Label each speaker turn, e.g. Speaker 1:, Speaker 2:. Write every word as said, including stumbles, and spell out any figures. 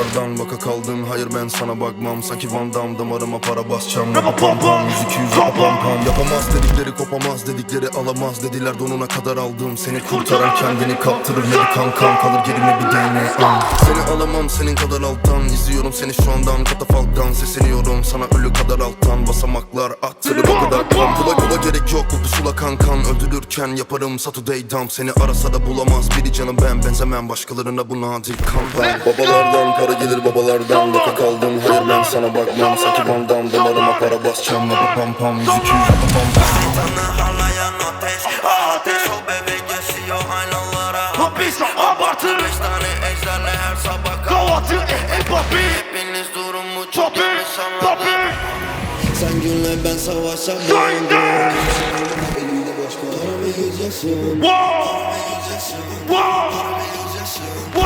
Speaker 1: babalardan vaka kaldın. Hayır ben sana bakmam, sanki Van Damme damarıma para basacağım. Rapa pam pam, yüz iki yüz rapa pam pam. Yapamaz dedikleri kopamaz, dedikleri alamaz dediler, donuna kadar aldım. Seni kurtaran kendini kaptırır, ne bir kankam kalır gerime bir D N A. Seni alamam senin kadar alttan, izliyorum seni şu andan katafalktan. Sesleniyorum sana ölü kadar alttan, basamaklar attırır o kadar tam. Kula kula gerek yok bu pusula kankan, öldürürken yaparım Saturday dump. Seni arasa da bulamaz biri canım, ben benzemem başkalarına, bu nadir kampan. Babalardan para gelir babalardan, vaka kaldım. Hayır ben sana bakmam, sanki Van Damme damarıma para basacağım. Rapa pam pam, yüz iki yüz rapa pam pam.
Speaker 2: Şeytanı harlayan ateş, ateş o bebek yaşıyor aynalara. Hapis abartı, beş tane ejderle her sabah kahvaltı. Eh eh papi, hepiniz durumu çok yanlış anladın. Sen günle ben savaşa döndüm. Elimde boş para ve yüz yaşım. Para ve yüz yaşım. Para ve yüz yaşım.